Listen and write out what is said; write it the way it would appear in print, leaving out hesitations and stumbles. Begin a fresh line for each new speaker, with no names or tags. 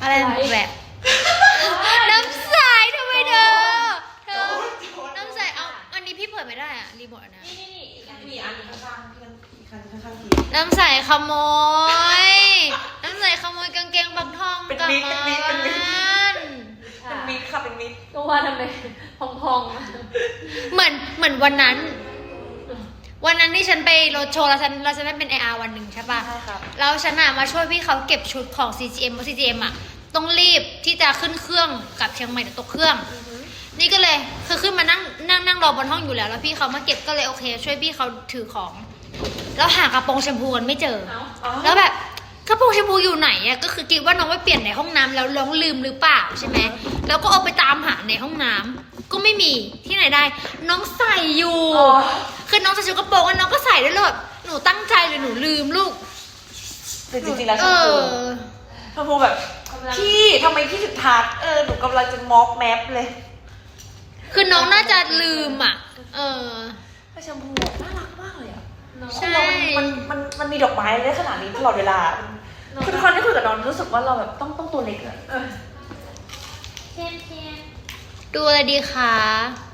อะไรแบบน้ำใสทำไมเธอน้ำใสเอาอันนี้พี่เปิดไม่ได้อะรีโมทอันนี้
นี่อีกอัน
มีอันข้างๆอีกอันข้างๆที
น้ำใสขโมยน้ำใสขโมยกางเกงบักทองกลับมาบ้าน
เป็นมิดค่ะเป็นมิด
ก็ว่าทำไมพอง
เหมือนวันนั้นที่ฉันไปโรดโชว์แล้วฉันได้เป็น AR วันหนึ่งใช่ป่ะ
ใช่ครับ
แล้วฉันมาช่วยพี่เขาเก็บชุดของ CGM เพราะ CGM ต้องรีบที่จะขึ้นเครื่องกับเชียงใหม่เดี๋ยวตกเครื่อง นี่ก็เลยคือขึ้นมานั่งรอบนห้องอยู่แล้วพี่เขามาเก็บก็เลยโอเค ช่วยพี่เขาถือของแล้วหากระโปรงแชมพูกันไม่เจอ แล้วแบบกระโปรงแชมพูอยู่ไหนอะก็คือคิดว่าน้องไปเปลี่ยนในห้องน้ำแล้วน้องลืมหรือเปล่าใช่ไหมแล้วก็เอาไปตามหาในห้องน้ำก็ไม่มีที่ไหนได้ น้องใส่อยู่คือน้องใส่ชุดกระโปรงแล้วน้องก็ใส่ได้เลยหนูตั้งใจเลยหนูลืมลูก
แต่จริงๆแล้วชมพูแบบพี่ทำไมพี่ถึงทักหนูกำลังจะม็อกแมปเลย
คือน้องน่าจะลืม
แต่ชมพูน่ารักมากเลยอ่ะ
ใช่
มันมีดอกไม้ได้ขนาดนี้ตลอดเวลาคือทุกครั้งที่คุยกับน้องรู้สึกว่าเราแบบต้องตัวเล็กเลย
ๆเทียน
ดูอะไรดีคะ
เ